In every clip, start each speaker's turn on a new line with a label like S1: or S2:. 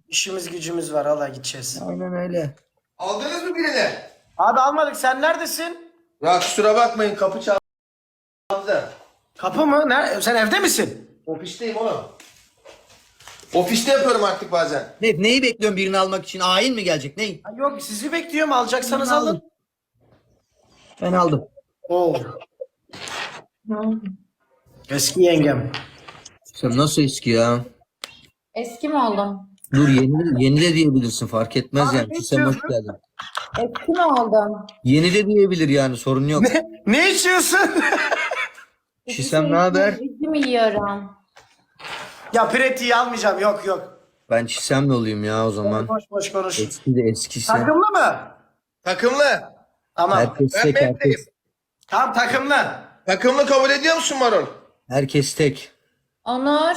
S1: İşimiz gücümüz var. Allah gideceğiz.
S2: Aynen öyle.
S3: Aldınız mı birini?
S1: Abi almadık. Sen neredesin?
S3: Ya kusura bakmayın kapı çaldı da.
S1: Kapı mı? Sen evde misin?
S3: Ofisteyim oğlum. Ofiste yapıyorum artık bazen.
S2: Neyi bekliyorsun birini almak için? Ayin mi gelecek? Ney?
S1: Ha, yok sizi bekliyorum. Alacaksanız
S2: Ben
S1: alın.
S2: aldım. Ben aldım.
S1: Oo. Eski yengem.
S2: Sen nasıl eski ya?
S4: Eski mi oldum?
S2: Dur yeni de diyebilirsin fark etmez
S1: Abi
S2: yani.
S1: ne
S2: Sen hoş
S1: içiyorsun?
S2: geldin.
S4: Eski mi oldum?
S2: Yeni de diyebilir yani sorun yok.
S1: Ne içiyorsun?
S2: Şisem ne haber?
S4: Üzüm yiyorum.
S1: Ya pretiği almayacağım. Yok yok.
S2: Ben Şisem'le olayım ya o zaman.
S1: Boş boş konuş.
S2: Eski de eskisi.
S1: Takımlı mı?
S3: Takımlı.
S1: Tamam.
S2: Herkes
S3: Ben
S2: tek
S3: Mehmet'im.
S2: herkes.
S1: Tamam takımlı.
S3: Takımlı kabul ediyor musun Marul?
S2: Herkes tek.
S4: Onur.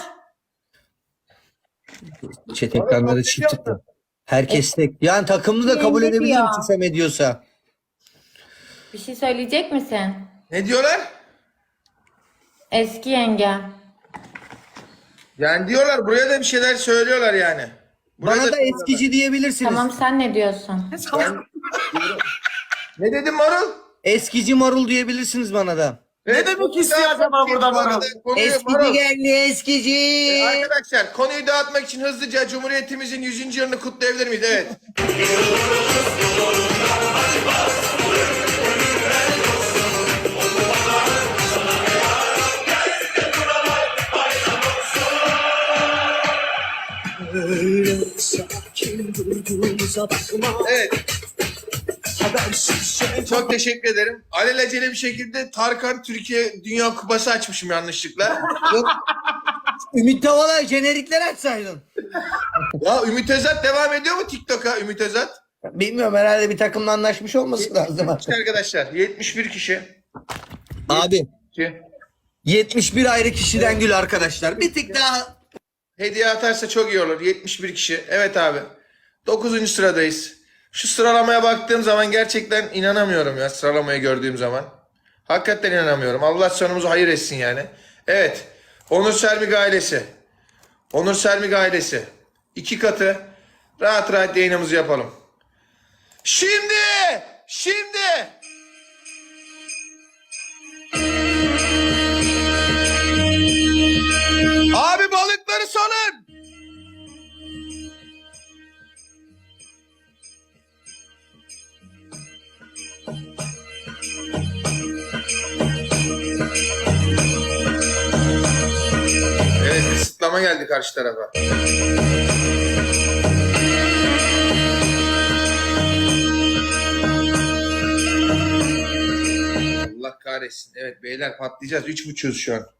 S2: Chat ekranları çift tıkla. Herkes tek. Yani takımlı da kabul
S4: Yenge
S2: edebilir
S4: diyor.
S2: mi Şisem ediyorsa?
S4: Bir şey söyleyecek misin?
S3: Ne diyorlar?
S4: Eski yenge.
S3: Yani diyorlar buraya da bir şeyler söylüyorlar yani. Buraya
S2: Bana da
S3: söylüyorlar.
S2: eskici diyebilirsiniz.
S4: Tamam sen ne diyorsun?
S3: Ne dedin Marul?
S2: Eskici marul diyebilirsiniz bana da.
S3: Evet,
S1: demek
S3: konuyu
S1: istiyor
S3: dağıtmak
S1: acaba
S3: için
S1: burada
S3: bu arada
S1: Marul?
S3: konuyu
S2: Eskici
S3: Marul.
S2: geldi eskici.
S3: Arkadaşlar konuyu dağıtmak için hızlıca Cumhuriyetimizin 100. yılını kutlayabilir miyiz? Evet. Evet. Çok teşekkür ederim. Alelacele bir şekilde Tarkan Türkiye Dünya Kupası açmışım yanlışlıkla.
S2: Yok. Ümit Davala jenerikler açsaydın.
S3: Ya Ümit Özat devam ediyor mu TikTok'a Ümit Özat?
S2: Bilmiyorum herhalde bir takımla anlaşmış olması lazım artık.
S3: Arkadaşlar 71 kişi.
S2: Abi
S3: Ki
S2: 71 ayrı kişiden gül arkadaşlar. Bir tık daha
S3: hediye atarsa çok iyi olur. 71 kişi. Evet abi. 9. sıradayız. Şu sıralamaya baktığım zaman gerçekten inanamıyorum ya sıralamayı gördüğüm zaman. Hakikaten inanamıyorum. Allah sonumuzu hayır etsin yani. Evet. Onur Sermik ailesi. Onur Sermik ailesi. 2 katı. Rahat rahat yayınımızı yapalım. Şimdi. Abi balıkları salın. Evet kısıtlama geldi karşı tarafa. Allah kahretsin. Evet beyler patlayacağız. 3.5'uz şu an.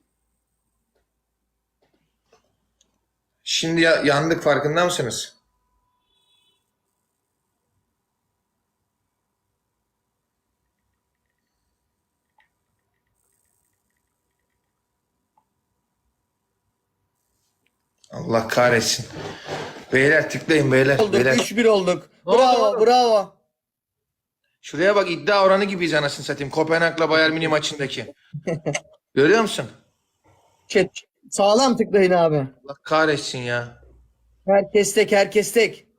S3: Şimdi yandık farkında mısınız? Allah kahretsin. Beyler tıklayın beyler.
S2: olduk.
S3: Beyler.
S2: 3-1 olduk. Bravo bravo.
S3: Şuraya bak iddia oranı gibiyiz anasını satayım. Kopenhag'la Bayern Münih maçındaki. Görüyor musun?
S2: Chat sağlam tıklayın abi.
S3: Allah kahretsin ya.
S2: Herkes tek herkes tek.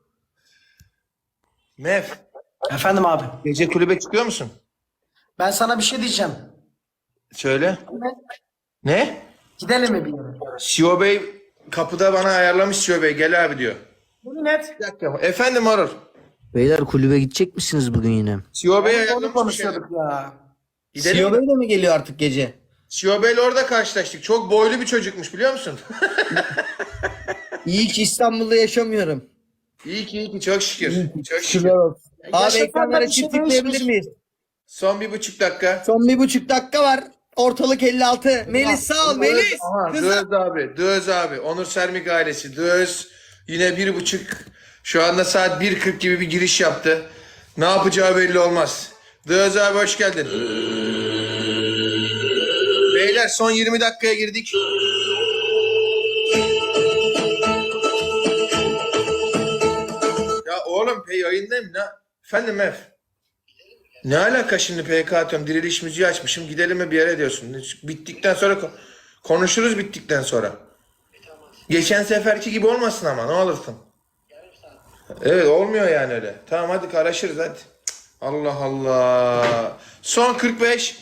S3: Mev,
S1: Efendim abi.
S3: gece kulübe çıkıyor musun?
S1: Ben sana bir şey diyeceğim.
S3: Söyle. Ne?
S1: Gidelim mi bir yere?
S3: CEO Bey kapıda bana ayarlamış CEO Bey. Gel abi diyor.
S1: Yemin et.
S3: Bir dakika. Efendim Marur.
S2: Beyler kulübe gidecek misiniz bugün yine?
S3: CEO Bey
S1: Onu
S3: ayarlamış bir şey.
S1: konuşuyorduk ya.
S3: Gidelim
S2: CEO
S3: mi?
S2: Bey de mi geliyor artık gece?
S3: CEO Bey'le orada karşılaştık. Çok boylu bir çocukmuş biliyor musun?
S2: İyi ki İstanbul'da yaşamıyorum.
S3: iyi ki çok şükür. Çok şükür.
S2: Şükürler olsun. Abi
S1: Yaşasın
S2: ekranlara
S1: da bir şey
S2: çift tıklayabilir
S1: değişmiş.
S2: miyiz?
S3: Son 1,5 dakika.
S2: Son 1,5 dakika var. Ortalık 56. Melis sağ ol Melis.
S3: Aha,
S2: Kızım.
S3: Döz abi. Döz abi. Onur Sermik ailesi. Döz. Yine 1,5. Şu anda saat 1:40 gibi bir giriş yaptı. Ne yapacağı belli olmaz. Döz abi hoş geldin. Beyler son 20 dakikaya girdik. Ya oğlum yayındayım. Efendim Ev. Ne alaka şimdi PK atıyorum. Diriliş müziği açmışım. Gidelim mi bir yere diyorsun. Bittikten sonra konuşuruz bittikten sonra. Geçen seferki gibi olmasın ama ne olursun. Evet olmuyor yani öyle. Tamam hadi karışırız hadi. Cık, Allah Allah. Son 45.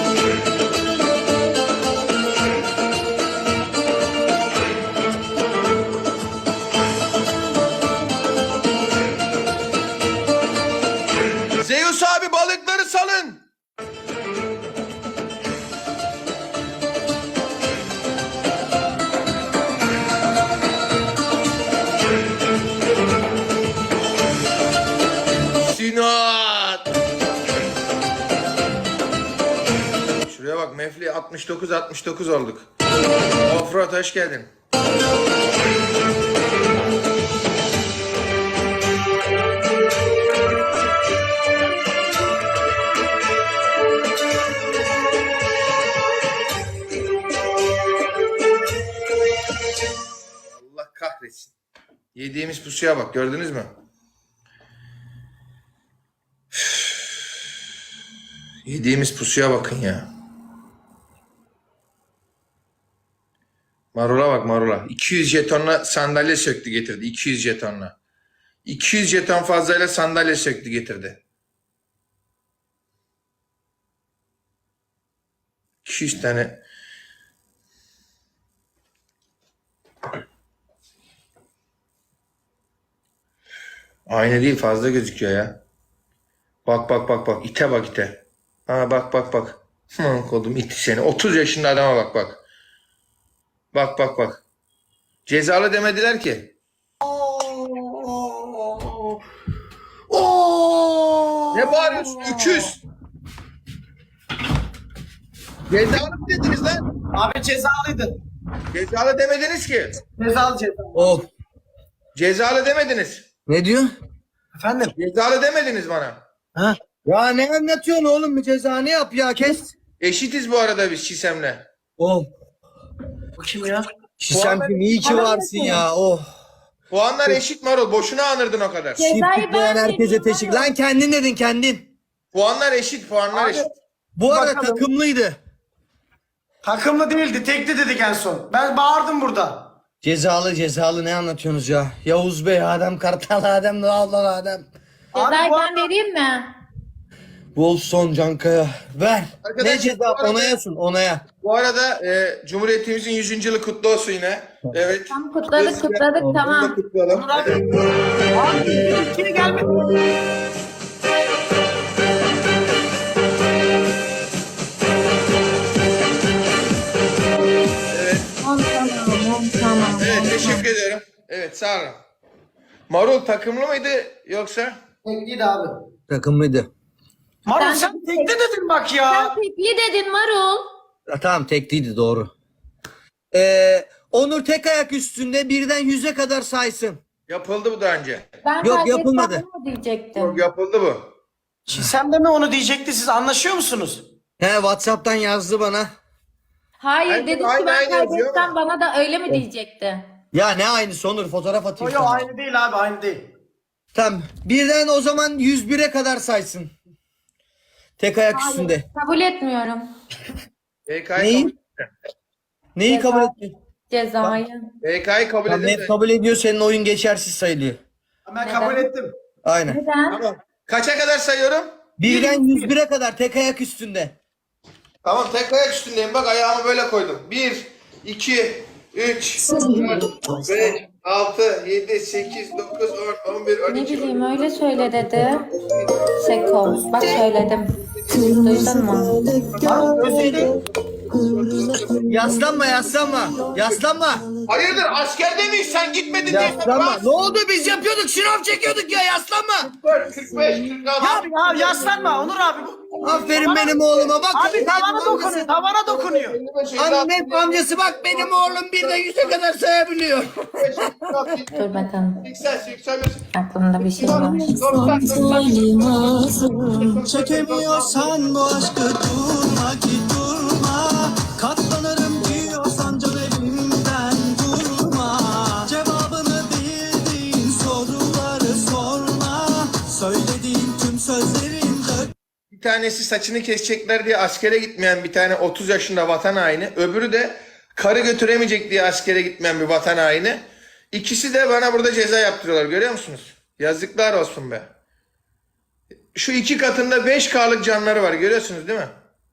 S3: Zeus abi balıkları salın. Sinat. Şuraya bak Mefli 69 olduk. Offroad hoş geldin. Allah kahretsin. Yediğimiz pusuya bak gördünüz mü? Yediğimiz pusuya bakın ya. Marula bak marula. 200 jetonla sandalye söktü getirdi. 200 jetonla. 200 jeton fazlayla sandalye söktü getirdi. 200 tane. Aynı değil fazla gözüküyor ya. Bak bak bak bak. İte bak ite. Ha bak bak bak. Kodum iti seni. 30 yaşında adama bak bak. Bak bak bak. Cezalı demediler ki. Ne bağırıyorsun? Öküz. Cezalı mı dediniz lan?
S1: Abi cezalıydı.
S3: Cezalı demediniz ki.
S1: Cezalı ceza.
S2: Of.
S3: Cezalı demediniz.
S2: Ne diyor?
S1: Efendim?
S3: Cezalı demediniz bana.
S1: Ha?
S2: Ya ne anlatıyorsun oğlum, bir ceza ne yap ya, kes.
S3: Eşitiz bu arada biz Çisem'le.
S2: Oh.
S1: Bu kim ya?
S2: Şisemciğim iyi ki varsın ya. Oh.
S3: Puanlar eşit Marul. Boşuna anırdın o kadar.
S4: Cezayı
S2: Çiftlik veren
S4: ben
S2: herkese
S4: veriyorum.
S2: teşekkür. Lan kendin dedin kendin.
S3: Puanlar eşit. Puanlar eşit.
S2: Bu arada
S1: Bakalım.
S2: takımlıydı.
S1: Takımlı değildi. Tekli dedik en son. Ben bağırdım burada.
S2: Cezalı ne anlatıyorsunuz ya? Yavuz Bey, Adem Kartal, Adem Dağlar, Adem.
S4: Cezayı
S1: bu
S4: ben
S1: arada-
S4: vereyim mi?
S2: Wolfson Cankaya. Ver.
S3: Arkadaşlar,
S2: Ne ceza?
S3: bu arada-
S2: Onaya sun, onaya.
S3: Bu arada Cumhuriyetimizin 100. yılı kutlu olsun yine. Evet.
S4: Tam kutladık
S3: Bunu da
S4: tamam.
S3: kutlayalım.
S1: Abi. Abi. İkili gelmedi.
S3: Evet.
S4: Tamam.
S3: Evet teşekkür ediyorum. Evet sağ olun. Marul takımlı mıydı yoksa?
S1: Tekliydi abi.
S2: Takımlıydı.
S1: Marul
S4: Ben-
S1: sen tekli dedin bak
S4: Sen
S1: ya.
S4: tekli dedin Marul.
S2: Ya, tamam tekliydi, doğru. Onur tek ayak üstünde birden 100'e kadar saysın.
S3: Yapıldı bu daha önce.
S4: Ben
S2: Yok,
S4: kaybetsem
S2: yapılmadı.
S4: mı diyecektim.
S3: Yok yapıldı bu.
S1: Çisem de mi onu diyecekti, siz anlaşıyor musunuz?
S2: He, WhatsApp'tan yazdı bana.
S4: Hayır
S3: Aynen,
S4: dedi ki
S3: aynen
S4: ben
S3: yazıyor
S4: kaybetsem
S3: ama.
S4: bana da öyle mi diyecekti?
S2: Ya ne aynısı Onur, fotoğraf atayım
S1: Yok
S2: sana.
S1: aynı değil abi, aynı değil.
S2: Tamam. Birden o zaman 101'e kadar saysın. Tek ayak üstünde.
S4: Kabul etmiyorum
S3: BK'yı
S2: Neyi?
S3: kabul,
S2: Neyi kabul etmiyor?
S4: cezayı.
S3: BK'yı kabul
S2: Tamam,
S3: edin.
S2: net kabul ediyor, senin oyun geçersiz sayılıyor.
S1: Ben
S4: Neden?
S1: kabul ettim.
S2: Aynen.
S4: Neden?
S3: Tamam. Kaça kadar sayıyorum?
S2: Birden 101'e kadar tek ayak üstünde.
S3: Tamam tek ayak üstündeyim. Bak ayağımı böyle koydum. 1, 2, 3, 4, 5, 6, 7, 8, 9, 10, 11,
S4: Ne
S3: 12,
S4: bileyim öyle söyle dedi. Seko. Bak söyledim. Duydun mu?
S1: Marul özledim.
S2: Yaslanma. Yaslanma.
S3: Hayırdır askerde miyiz sen gitmedin diye.
S2: Yaslanma. Ne oldu, biz yapıyorduk, şınav çekiyorduk ya, yaslanma.
S3: 44, 45, 46.
S1: Abi ya yaslanma Onur abi.
S2: Aferin benim oğluma, bak.
S1: Abi tavana dokunuyor, tavana dokunuyor.
S3: 55, 56,
S2: Annem amcası, bak benim oğlum birden 100'e kadar sayabiliyor.
S3: 55, 56,
S4: Dur bakalım.
S3: 80, 81,
S4: Aklımda bir şey var.
S3: 90, 90.
S5: Çekemiyorsan bu aşkı durma ki durma. Katlanırım diyorsan can elimden durma. Cevabını bildiğin soruları sorma. Söylediğin tüm sözlerin dök.
S3: Bir tanesi saçını kesecekler diye askere gitmeyen bir tane 30 yaşında vatan haini. Öbürü de karı götüremeyecek diye askere gitmeyen bir vatan haini. İkisi de bana burada ceza yaptırıyorlar, görüyor musunuz? Yazıklar olsun be. Şu 2 katında 5K'lık canları var, görüyorsunuz değil mi?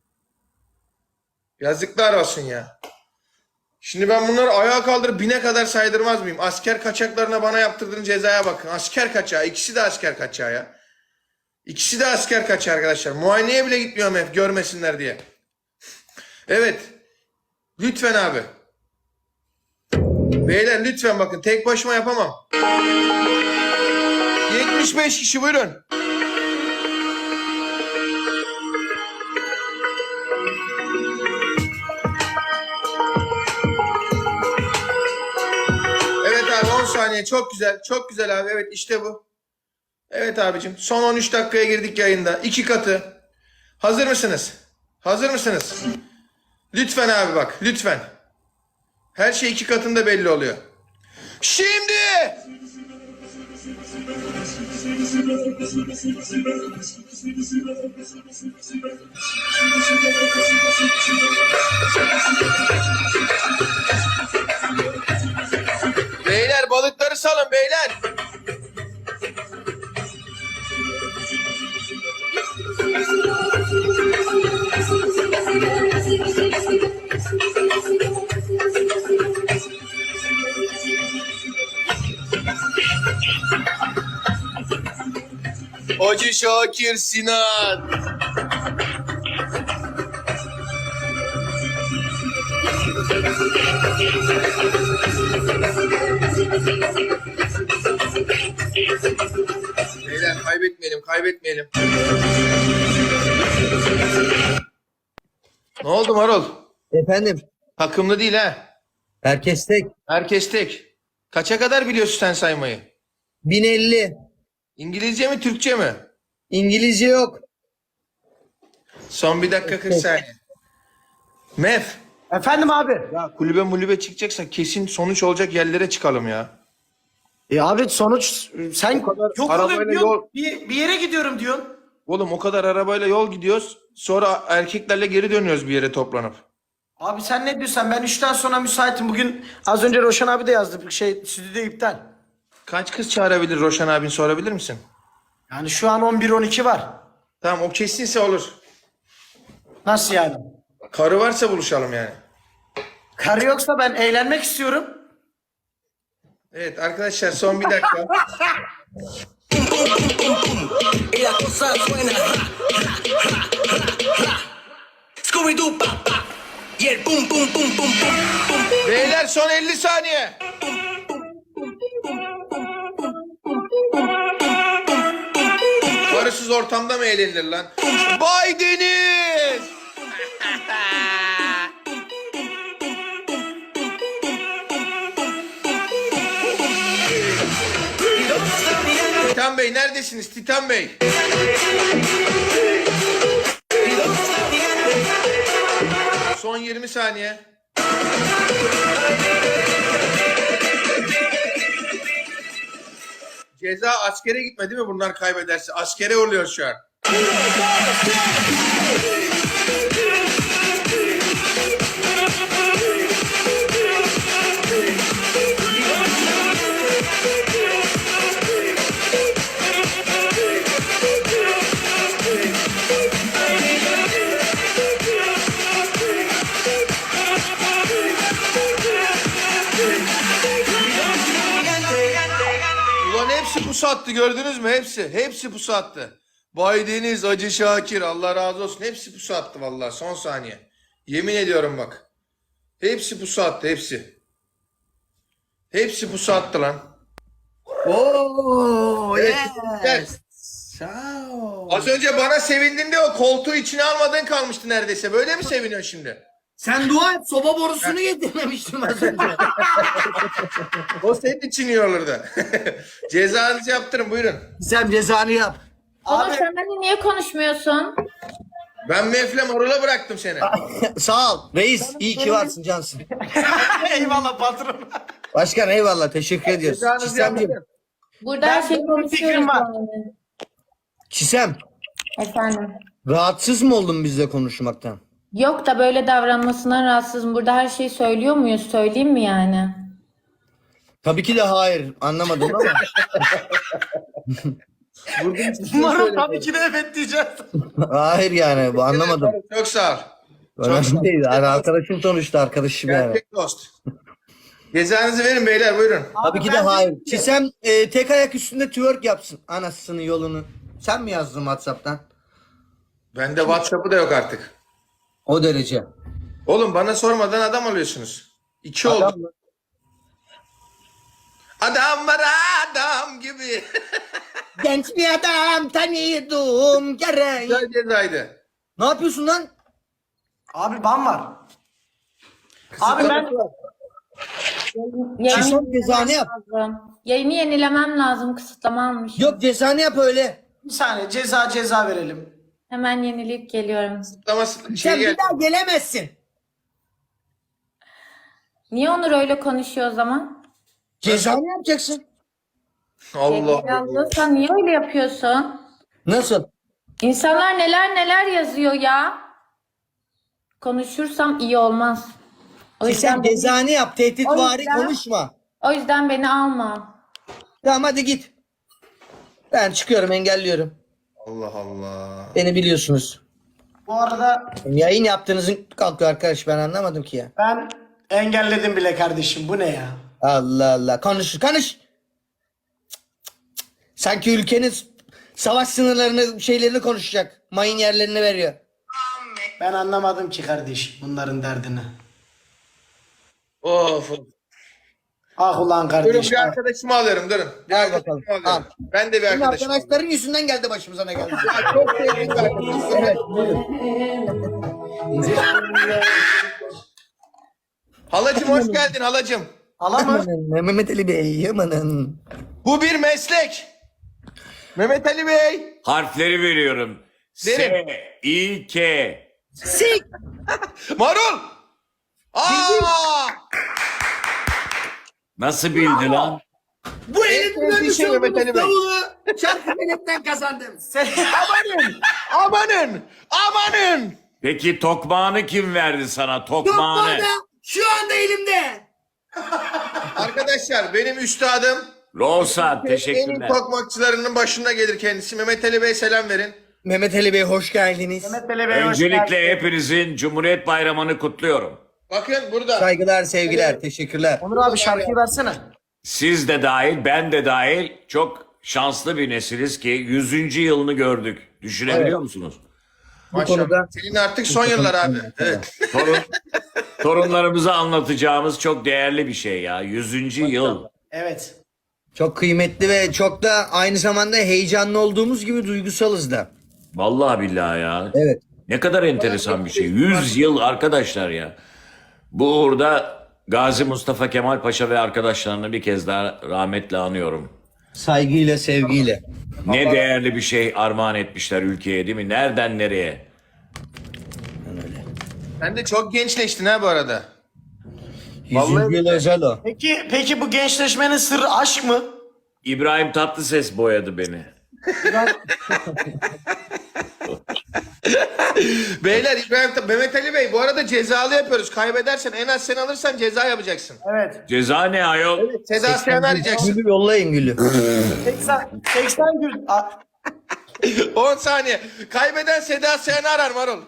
S3: Yazıklar olsun ya. Şimdi ben bunları ayağa kaldırıp 1000'e kadar saydırmaz mıyım? Asker kaçaklarına bana yaptırdığın cezaya bakın. Asker kaçağı. İkisi de asker kaçağı ya. İkisi de asker kaçağı arkadaşlar. Muayeneye bile gitmiyorum hep görmesinler diye. Evet. Lütfen abi. Beyler lütfen bakın. Tek başıma yapamam. 75 kişi buyurun. Evet abi 10 saniye çok güzel. Çok güzel abi. Evet işte bu. Evet abicim. Son 13 dakikaya girdik yayında. 2 katı. Hazır mısınız? Hazır mısınız? Lütfen abi bak. Lütfen. Her şey 2 katında belli oluyor. Şimdi. Beyler balıkları salın beyler. Hacı Şakir Sinan. Beyler kaybetmeyelim. Ne oldu Marul?
S2: Efendim,
S3: Takımlı değil ha.
S2: herkes tek.
S3: Herkes tek. Kaça kadar biliyorsun sen saymayı?
S2: 1050.
S3: İngilizce mi Türkçe mi?
S2: İngilizce yok.
S3: Son 1 dakika 40 saniye. Mef.
S1: Efendim abi.
S3: Ya kulübe çıkacaksa kesin sonuç olacak yerlere çıkalım ya.
S1: Abi sonuç sen yok
S3: arabayla
S1: olayım diyorsun.
S3: yol-
S1: Bir yere gidiyorum diyorsun.
S3: Oğlum o kadar arabayla yol gidiyoruz. Sonra erkeklerle geri dönüyoruz bir yere toplanıp.
S1: Abi sen ne diyorsan ben 3'ten sonra müsaitim. Bugün az önce Roşan abi de yazdı. Stüdyo iptal.
S3: Kaç kız çağırabilir Roşan abin sorabilir misin?
S1: Yani şu an 11-12 var.
S3: Tamam o kesinse olur.
S1: Nasıl yani?
S3: Karı varsa buluşalım yani.
S1: Karı yoksa ben eğlenmek istiyorum.
S3: Evet arkadaşlar son 1 dakika.
S6: Y la cosa suena Scooby-Doo pa pa y el pum pum pum pum pum pum.
S3: Beyler son 50 saniye. Karısız ortamda mı eğlenilir lan? Bay Deniz! Titan Bey neredesiniz Titan Bey? Son 20 saniye. Ceza askere gitme değil mi bunlar kaybederse? Askere oluyor şu an. Ulan hepsi pusu attı gördünüz mü? Hepsi pusu attı. Bay Deniz, Hacı Şakir Allah razı olsun. Hepsi pusu attı vallahi son saniye. Yemin ediyorum bak. Hepsi pusu attı hepsi. Hepsi pusu attı lan.
S2: Oo,
S3: Evet,
S2: yes. Sağ ol.
S3: Az önce bana sevindin de o koltuğu içine almadığın kalmıştı neredeyse. Böyle mi seviniyorsun şimdi?
S2: Sen dua et, soba borusunu getirmemiştim az önce.
S3: O senin için iyi olurdu. Cezanızı yaptırın buyurun.
S2: Sen cezanı yap.
S4: Onur sen benimle niye konuşmuyorsun?
S3: Ben Mefle Marul'a bıraktım seni.
S2: Sağ ol. Reis, iyi ki varsın cansın.
S1: Eyvallah patron.
S2: Başkan eyvallah, teşekkür ediyoruz.
S3: Cezanızı
S2: Çisemciğim.
S3: yaptırın.
S4: Burada
S1: Ben
S4: her şeyi
S1: benim bir fikrim
S4: konuşuyoruz
S1: var.
S4: yani.
S2: Çisem,
S4: Efendim.
S2: rahatsız mı oldun bizle konuşmaktan?
S4: Yok da böyle davranmasına rahatsızım. Burada her şeyi söylüyor muyuz? Söyleyeyim mi yani?
S2: Tabii ki de hayır. Anlamadım ama.
S1: Umarım tabii ki de evet diyeceğiz.
S2: Hayır yani bu anlamadım.
S3: Çok sağ ol.
S2: Önemli değil. Yani arkadaşım sonuçta arkadaşım yani.
S3: Gerçek dost. Cezanızı verin beyler, buyurun.
S2: Tabii ki de hayır. Çisem tek ayak üstünde twerk yapsın. Anasının yolunu. Sen mi yazdın WhatsApp'tan?
S3: Bende WhatsApp'ı da yok artık.
S2: O derece.
S3: Oğlum bana sormadan adam alıyorsunuz. İki oldu.
S2: Adam mı?
S3: Adam var adam gibi.
S2: Genç bir adam tanıyordum gerek.
S3: Güzel cezaydı.
S2: Ne yapıyorsun lan?
S1: Abi ban var. Abi ben
S2: Çisem cezanı yap.
S4: lazım. Yayını yenilemem lazım. Kısıtlama almış.
S2: Yok cezanı yap öyle.
S1: bir saniye ceza verelim.
S4: Hemen yenileyip geliyorum.
S3: Ama
S2: Sen
S3: şey
S2: bir
S3: gel.
S2: daha gelemezsin.
S4: Niye Onur öyle konuşuyor o zaman?
S2: Cezanı yapacaksın.
S3: Allah.
S4: Allah sen niye öyle yapıyorsun?
S2: Nasıl?
S4: İnsanlar neler yazıyor ya. Konuşursam iyi olmaz. O
S2: Sen
S4: yüzden, beni,
S2: cezanı yap. Tehditvari
S4: yüzden-
S2: konuşma.
S4: o yüzden beni alma.
S2: Tamam hadi git. Ben çıkıyorum engelliyorum.
S3: Allah Allah.
S2: Beni biliyorsunuz.
S1: Bu arada
S2: Yayın yaptığınızın kalkıyor arkadaş ben anlamadım ki ya.
S1: ben engelledim bile kardeşim. Bu ne ya?
S2: Allah Allah. Konuş. Sanki ülkenin savaş sınırlarını şeylerini konuşacak. Mayın yerlerini veriyor.
S1: Ben anlamadım ki kardeş bunların derdini.
S3: Of.
S1: Ah ulan
S3: Durun
S1: kardeş.
S3: bir
S1: ah.
S3: arkadaşımı alıyorum, durun. Bir
S2: Al
S3: arkadaşımı
S2: bakalım,
S3: alıyorum.
S2: al.
S3: Ben de bir
S2: Senin
S3: arkadaşım.
S2: arkadaşların yüzünden geldi başımıza ne geldi.
S3: Ya çok sevdiğim bir arkadaşım.
S2: Evet, buyurun.
S3: Halacım hoş geldin halacım.
S1: Ala mı?
S2: Amanın, Mehmet Ali Bey amanın.
S3: Bu bir meslek. Mehmet Ali Bey.
S7: Harfleri veriyorum.
S3: Verin.
S7: S, İ, K.
S2: Sik.
S3: Marul. Aa!
S7: Nasıl bildi lan?
S2: Bu
S3: En
S2: elimden
S3: sevdiği
S2: görmüş
S3: şey Mehmet
S2: olduğunuz
S3: Ali Bey.
S2: davulu şarkı milletten kazandım.
S3: Amanın.
S7: Peki tokmağını kim verdi sana? Tokmağını.
S2: Lokmada şu anda elimde.
S3: Arkadaşlar benim üstadım.
S7: Rosa
S3: En iyi
S7: teşekkürler.
S3: tokmakçılarının başında gelir kendisi. Mehmet Ali Bey selam verin.
S2: Mehmet Ali Bey hoş geldiniz.
S1: Mehmet Ali Bey hoş
S7: Öncelikle
S1: geldin.
S7: hepinizin Cumhuriyet Bayramı'nı kutluyorum.
S3: Bakın burada.
S2: Saygılar sevgiler teşekkürler.
S1: Onur abi şarkıyı versene.
S7: Siz de dahil, ben de dahil çok şanslı bir nesiliz ki 100. yılını gördük. Düşünebiliyor musunuz?
S3: Maşallah.
S2: konuda-
S3: Senin artık son yıllar abi. Evet.
S7: Torunlarımıza anlatacağımız çok değerli bir şey ya. 100. yıl.
S1: Evet.
S2: Çok kıymetli ve çok da aynı zamanda heyecanlı olduğumuz gibi duygusalız da.
S7: Vallahi billahi ya.
S2: Evet.
S7: Ne kadar enteresan bir şey. 100 yıl arkadaşlar ya. Bu uğurda Gazi Mustafa Kemal Paşa ve arkadaşlarını bir kez daha rahmetle anıyorum.
S2: Saygıyla sevgiyle.
S7: Ne değerli bir şey armağan etmişler ülkeye değil mi? Nereden nereye?
S3: Sen de çok gençleştin ha bu arada.
S2: 100. yıl özel o.
S1: Peki bu gençleşmenin sırrı aşk mı?
S7: İbrahim Tatlıses boyadı beni.
S3: Beyler Mehmet Ali Bey bu arada cezalı yapıyoruz. Kaybedersen en az sen alırsan ceza yapacaksın.
S1: Evet.
S7: Ceza ne ayol?
S3: Seda Sayan'ı arayacaksın.
S2: Gülü yollayın gülü.
S1: 80 gün.
S3: 10 saniye. Kaybeden Seda Sayan'ı arar Marul.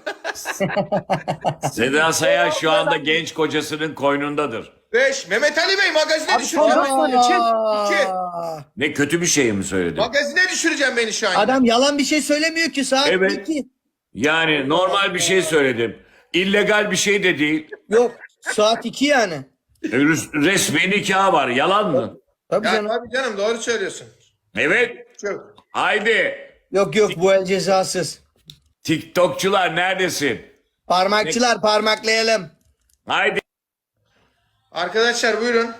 S7: Seda Sayan şu anda genç kocasının koynundadır.
S3: 5. Mehmet Ali Bey magazine
S1: Abi son
S3: düşüreceğim.
S1: 4 saniye çek.
S3: 2.
S7: Ne kötü bir şey mi söyledim?
S3: Magazine düşüreceğim beni şu an.
S2: Adam yalan bir şey söylemiyor ki saat
S7: Evet.
S2: 2.
S7: Yani normal bir şey söyledim. İllegal bir şey de değil.
S2: Yok saat 2 yani.
S7: Resmi nikah var. Yalan mı?
S2: Tabii
S3: Ya
S2: canım.
S3: tabii canım doğru söylüyorsun.
S7: Evet.
S3: Çok.
S7: Haydi.
S2: Yok bu el cezasız.
S7: TikTokçular neredesin?
S2: Parmakçılar parmaklayalım.
S7: Haydi.
S3: Arkadaşlar buyurun.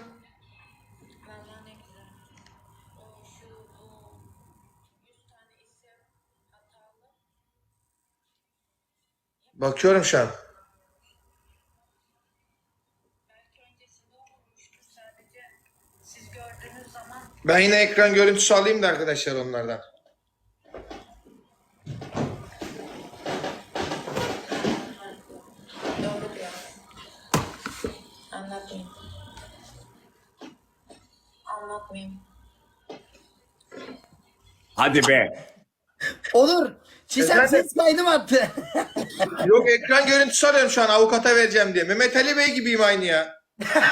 S3: Bakıyorum şu an. Ben yine ekran görüntüsü alayım da arkadaşlar onlardan.
S4: Anladım. anlatmayayım.
S7: Hadi be.
S2: Olur. Çisem
S3: Efendim?
S2: ses kaydı mı attı?
S3: Yok, ekran görüntüsü arıyorum şu an avukata vereceğim diye. Mehmet Ali Bey gibiyim aynı ya.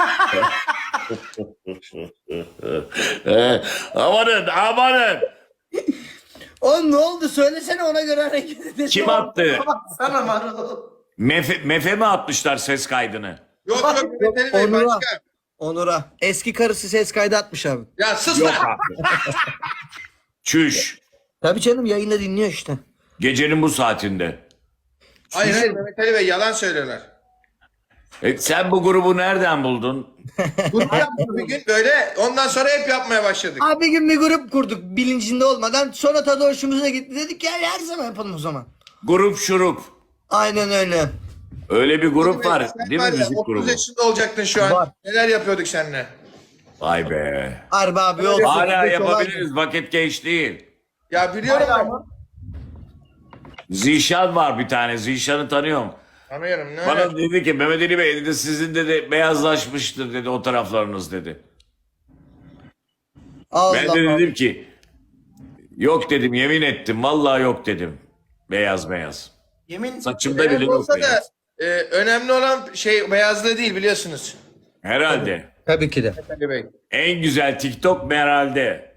S7: Amanın amanın.
S2: Oğlum ne oldu? Söylesene, ona göre hareket edelim.
S7: Kim attı?
S1: Sana Marul.
S7: Mefe mi atmışlar ses kaydını?
S3: Yok yok, Mehmet Ali Bey
S2: Onur'a.
S3: başka.
S2: Onur'a. Eski karısı ses kaydı atmış abi.
S3: Ya sus
S7: Yok
S3: lan.
S7: abi. Çüş.
S2: Tabii canım, yayında dinliyor işte.
S7: Gecenin bu saatinde.
S3: Hayır hayır, Mehmet Ali Bey yalan söylüyorlar.
S7: Sen bu grubu nereden buldun?
S3: Grup yaptık bir gün böyle, ondan sonra hep yapmaya başladık.
S2: Abi bir gün bir grup kurduk bilincinde olmadan. Sonra tadı hoşumuza gitti. Dedik ya her zaman yapalım o zaman.
S7: Grup şurup.
S2: Aynen öyle.
S7: Öyle bir grup var
S3: Sen
S7: değil mi,
S3: var ya,
S7: müzik
S3: 30
S7: grubu?
S3: yaşında olacaktın şu an.
S2: Var.
S3: Neler yapıyorduk seninle?
S7: Vay be.
S2: Harbi abi yol.
S7: Hala yapabiliriz, vakit geç değil.
S3: Ya biliyorum ben.
S7: Zişan var bir tane, Zişan'ı tanıyorum.
S3: Tanıyorum. Ne
S7: Bana
S3: öyle?
S7: dedi ki Mehmet Ali Bey dedi, sizin dedi beyazlaşmıştır dedi o taraflarınız dedi.
S2: Allah
S7: Ben de
S2: Allah.
S7: dedim ki yok dedim, yemin ettim vallahi yok dedim. Beyaz beyaz.
S1: Yemin
S7: Saçımda
S3: Evet,
S7: bile yok
S3: olsa da
S7: beyaz.
S3: önemli olan şey beyazlığı değil, biliyorsunuz.
S7: Herhalde.
S2: Tabii ki de.
S3: Mehmet Ali Bey.
S7: En güzel TikTok herhalde.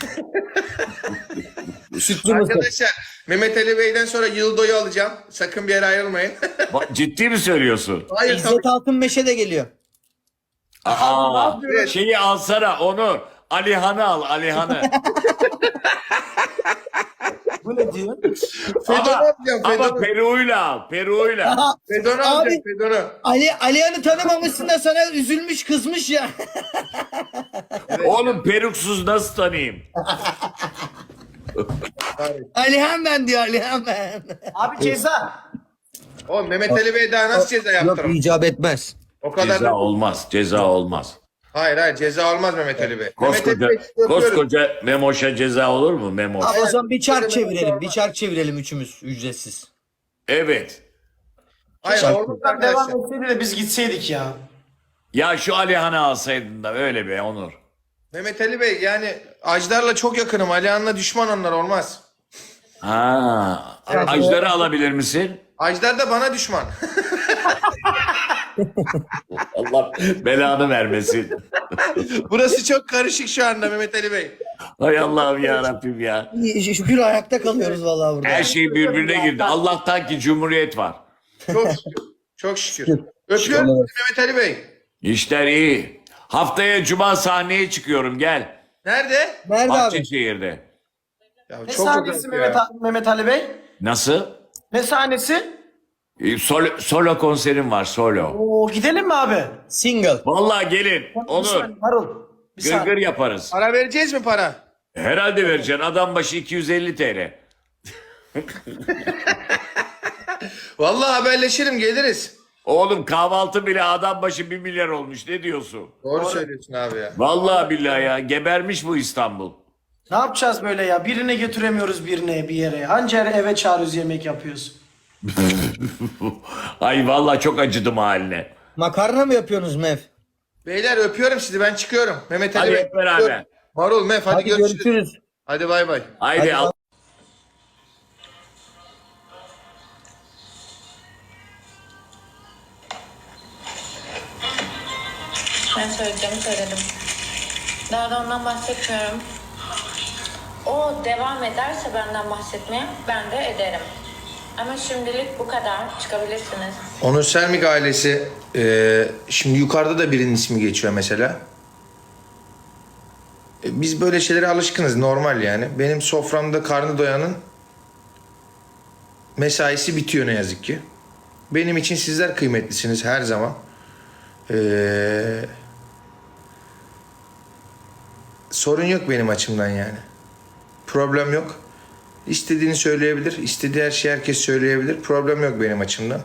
S2: Sütlü mısır.
S3: Arkadaşlar, Mehmet Ali Bey'den sonra Yıldo'yu alacağım. Sakın bir yere ayrılmayın.
S7: Ciddi mi söylüyorsun?
S3: Hayır tabii.
S2: İzzet Altınmeşe de geliyor.
S7: Aa,
S3: Evet.
S7: şeyi alsana onu. Alihan'ı al, Alihan'ı.
S1: bu ne diyor?
S3: Fedon'u
S7: ama,
S3: alacağım.
S7: ama
S3: Fedon'u.
S7: Peru'yla al, Peru'yla.
S3: Fedon'u
S2: Abi-
S3: alacağım. Fedon'u.
S2: Alihan'ı tanımamışsın da sana üzülmüş, kızmış ya.
S7: Oğlum peruksuz nasıl tanıyayım?
S2: Alihan ben diyor, Alihan ben.
S1: Abi ceza.
S3: Oğlum Mehmet Ali Bey daha nasıl ceza
S2: Yok,
S3: yaptırım?
S2: icap etmez.
S3: O kadar
S7: Ceza
S3: da...
S7: olmaz, ceza olmaz.
S3: Hayır hayır, ceza olmaz Mehmet Ali Bey. Mehmet
S7: Koskoca,
S3: Ali Bey, öpüyorum.
S7: koskoca Memoş'a ceza olur mu Memoş?
S2: Abi o zaman bir çark çevirelim. Bir çark çevirelim üçümüz ücretsiz.
S7: Evet.
S3: Hayır
S2: Şarkı.
S3: olmaz
S1: Devam
S3: arkadaşlar.
S1: etseydi de biz gitseydik ya.
S7: Ya şu Alihan'ı alsaydın da öyle be Onur.
S3: Mehmet Ali Bey yani Ajdar'la çok yakınım. Alihan'la düşman, onlar olmaz.
S7: Ha, Ajdar'ı alabilir misin?
S3: Ajdar da bana düşman.
S7: Allah belanı vermesin.
S3: Burası çok karışık şu anda Mehmet Ali Bey.
S7: Hay Allah'ım ya Rabbim ya.
S2: Şükür ayakta kalıyoruz vallahi burada.
S7: Her şey birbirine girdi. Allah'tan ki Cumhuriyet var.
S3: Çok şükür. Çok şükür. Öpüyorum sizi Mehmet Ali Bey.
S7: İşler iyi. Haftaya Cuma sahneye çıkıyorum gel.
S3: Nerede?
S2: Nerede abi?
S7: Bahçeşehir'de.
S3: Ya
S1: Ne
S3: çok
S1: sahnesi
S3: uzak
S1: Mehmet,
S3: ya.
S1: Mehmet Ali Bey?
S7: Nasıl?
S1: Ne sahnesi?
S7: Solo konserim var solo.
S1: Oo, gidelim mi abi?
S2: Single.
S7: Vallahi gelin.
S1: Bir
S7: Onur.
S1: saniye, Marul. Bir
S7: Gırgır
S1: saniye.
S7: yaparız.
S3: Para vereceğiz mi para?
S7: Herhalde vereceksin. Adam başı 250 TL.
S3: Vallahi haberleşelim, geliriz.
S7: Oğlum kahvaltı bile adam başı 1 milyar olmuş. Ne diyorsun?
S3: Doğru söylüyorsun abi ya.
S7: Vallahi billahi ya. Gebermiş bu İstanbul.
S1: Ne yapacağız böyle ya? Birine götüremiyoruz birine bir yere. Hangi eve çağırıyoruz, yemek yapıyoruz?
S7: Ay vallahi çok acıdım haline.
S2: Makarna mı yapıyorsunuz Mev?
S3: Beyler öpüyorum sizi, ben çıkıyorum. Mehmet Ali
S7: Hadi
S3: Bey.
S7: hep beraber.
S3: öpüyorum. Marul, Mef, hadi,
S2: Hadi
S3: görüşürüz.
S2: görüşürüz.
S3: Hadi bay bay.
S7: Haydi
S2: Hadi
S7: al.
S4: Ben söyleyeceğimi söyledim. Daha da ondan bahsetmiyorum. O devam ederse benden bahsetmeye ben de ederim. Ama şimdilik bu kadar. Çıkabilirsiniz.
S3: Onur Selmik ailesi, şimdi yukarıda da birinin ismi geçiyor mesela. Biz böyle şeylere alışkınız, normal yani. Benim soframda karnı doyanın mesaisi bitiyor ne yazık ki. Benim için sizler kıymetlisiniz her zaman. Sorun yok benim açımdan yani. Problem yok. İstediğini söyleyebilir. İstediği her şeyi herkes söyleyebilir. Problem yok benim açımdan.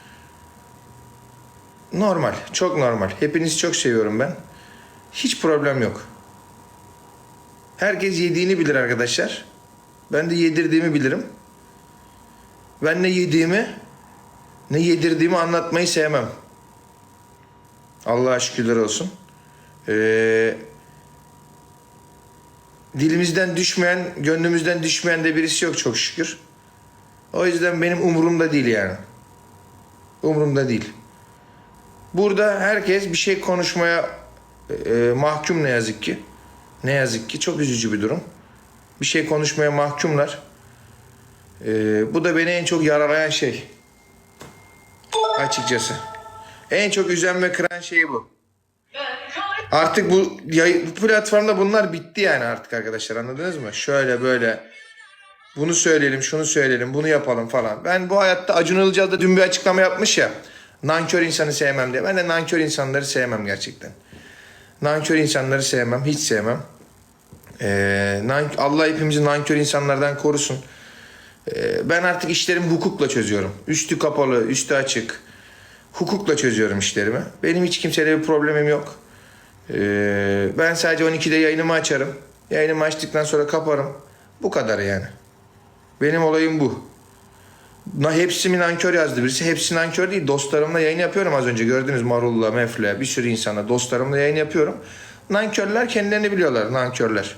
S3: Normal. Çok normal. Hepinizi çok seviyorum ben. Hiç problem yok. Herkes yediğini bilir arkadaşlar. Ben de yedirdiğimi bilirim. Ben ne yediğimi ne yedirdiğimi anlatmayı sevmem. Allah'a şükürler olsun. dilimizden düşmeyen, gönlümüzden düşmeyen de birisi yok çok şükür. O yüzden benim umurumda değil yani. Umurumda değil. Burada herkes bir şey konuşmaya mahkum ne yazık ki. Ne yazık ki çok üzücü bir durum. Bir şey konuşmaya mahkumlar. Bu da beni en çok yaralayan şey. Açıkçası. En çok üzen ve kıran şey bu. Artık bu platformda bunlar bitti yani artık arkadaşlar, anladınız mı? Şöyle böyle bunu söyleyelim, şunu söyleyelim, bunu yapalım falan. Ben bu hayatta Acun Ilıcalı da dün bir açıklama yapmış ya. Nankör insanı sevmem diye. Ben de nankör insanları sevmem gerçekten. Nankör insanları sevmem, hiç sevmem. Allah hepimizi nankör insanlardan korusun. Ben artık işlerimi hukukla çözüyorum. Üstü kapalı, üstü açık. Hukukla çözüyorum işlerimi. Benim hiç kimseyle bir problemim yok. Ben sadece 12'de yayınımı açarım. Yayınımı açtıktan sonra kaparım. Bu kadar yani. Benim olayım bu. Hepsi mi nankör yazdı birisi. Hepsi nankör değil. Dostlarımla yayın yapıyorum az önce. Gördünüz Marul'la, Mef'le, bir sürü insana. Dostlarımla yayın yapıyorum. Nankörler kendilerini biliyorlar. Nankörler.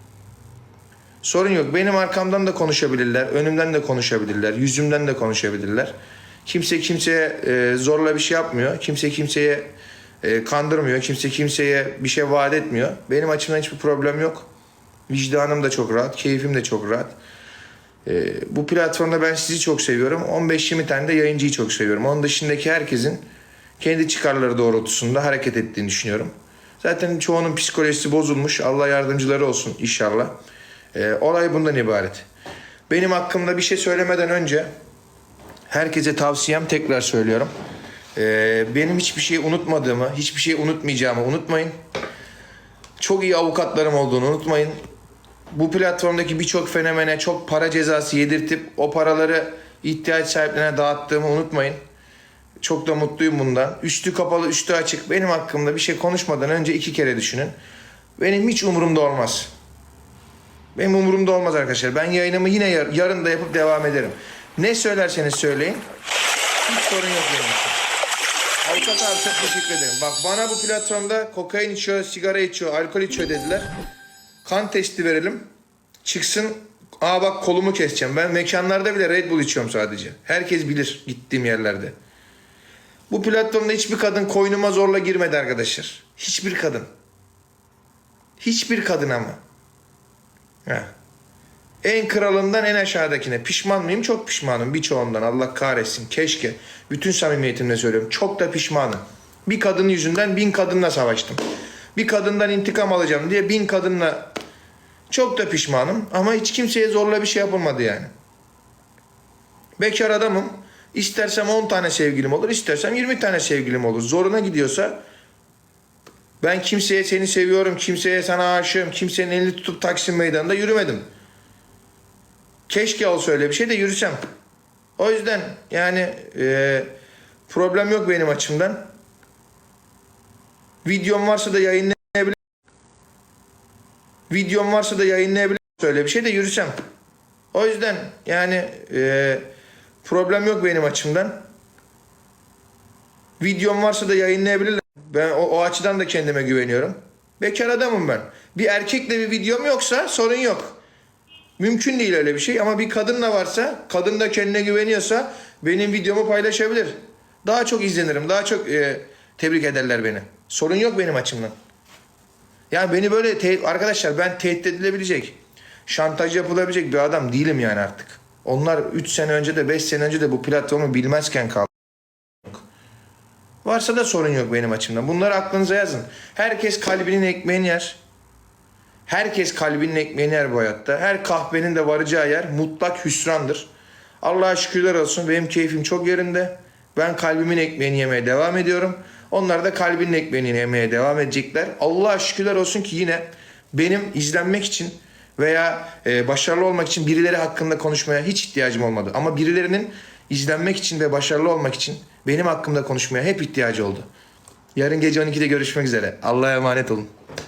S3: Sorun yok. Benim arkamdan da konuşabilirler. Önümden de konuşabilirler. Yüzümden de konuşabilirler. Kimse kimseye zorla bir şey yapmıyor. Kimse kimseye kandırmıyor. Kimse kimseye bir şey vaat etmiyor. Benim açımdan hiçbir problem yok. Vicdanım da çok rahat. Keyfim de çok rahat. Bu platformda ben sizi çok seviyorum. 15-20 tane de yayıncıyı çok seviyorum. Onun dışındaki herkesin kendi çıkarları doğrultusunda hareket ettiğini düşünüyorum. Zaten çoğunun psikolojisi bozulmuş. Allah yardımcıları olsun inşallah. Olay bundan ibaret. Benim hakkımda bir şey söylemeden önce herkese tavsiyem, tekrar söylüyorum. Benim hiçbir şey unutmadığımı, hiçbir şey unutmayacağımı unutmayın. Çok iyi avukatlarım olduğunu unutmayın. Bu platformdaki birçok fenomene çok para cezası yedirtip o paraları ihtiyaç sahiplerine dağıttığımı unutmayın. Çok da mutluyum bundan. Üstü kapalı, üstü açık. Benim hakkımda bir şey konuşmadan önce 2 kere düşünün. Benim hiç umurumda olmaz. Benim umurumda olmaz arkadaşlar. Ben yayınımı yine yarın da yapıp devam ederim. Ne söylerseniz söyleyin. Hiç sorun yok benim için. Avukat abi çok teşekkür ederim. Bak bana bu platformda kokain içiyor, sigara içiyor, alkol içiyor dediler. Kan testi verelim. Çıksın. Aa bak kolumu keseceğim. Ben mekanlarda bile Red Bull içiyorum sadece. Herkes bilir gittiğim yerlerde. Bu platformda hiçbir kadın koynuma zorla girmedi arkadaşlar. Hiçbir kadın. Hiçbir kadın ama. Heh. En kralından en aşağıdakine. Pişman mıyım? Çok pişmanım. Birçoğundan. Allah kahretsin. Keşke. Bütün samimiyetimle söylüyorum. Çok da pişmanım. Bir kadın yüzünden 1000 kadınla savaştım. Bir kadından intikam alacağım diye 1000 kadınla çok da pişmanım. Ama hiç kimseye zorla bir şey yapılmadı yani. Bekar adamım. İstersem 10 tane sevgilim olur. İstersem 20 tane sevgilim olur. Zoruna gidiyorsa ben kimseye seni seviyorum, kimseye sana aşığım, kimsenin elini tutup Taksim Meydanı'nda yürümedim. Keşke olsa öyle bir şey de yürüsem. O yüzden yani problem yok benim açımdan. Videom varsa da yayınlayabilirim. Videom varsa da yayınlayabilirim. Öyle bir şey de yürüsem. O yüzden yani problem yok benim açımdan. Videom varsa da yayınlayabilirler. Ben o açıdan da kendime güveniyorum. Bekar adamım ben. Bir erkekle bir videom yoksa sorun yok. Mümkün değil öyle bir şey ama bir kadınla varsa, kadın da kendine güveniyorsa benim videomu paylaşabilir. Daha çok izlenirim, daha çok tebrik ederler beni. Sorun yok benim açımdan. Yani beni böyle arkadaşlar ben tehdit edilebilecek, şantaj yapılabilecek bir adam değilim yani artık. Onlar 3 sene önce de 5 sene önce de bu platformu bilmezken kaldı. Varsa da sorun yok benim açımdan. Bunları aklınıza yazın. Herkes kalbinin ekmeğini yer. Herkes kalbinin ekmeğini yer bu hayatta. Her kahvenin de varacağı yer mutlak hüsrandır. Allah'a şükürler olsun benim keyfim çok yerinde. Ben kalbimin ekmeğini yemeye devam ediyorum. Onlar da kalbinin ekmeğini yemeye devam edecekler. Allah'a şükürler olsun ki yine benim izlenmek için veya başarılı olmak için birileri hakkında konuşmaya hiç ihtiyacım olmadı. Ama birilerinin izlenmek için ve başarılı olmak için benim hakkımda konuşmaya hep ihtiyacı oldu. Yarın gece 12'de görüşmek üzere. Allah'a emanet olun.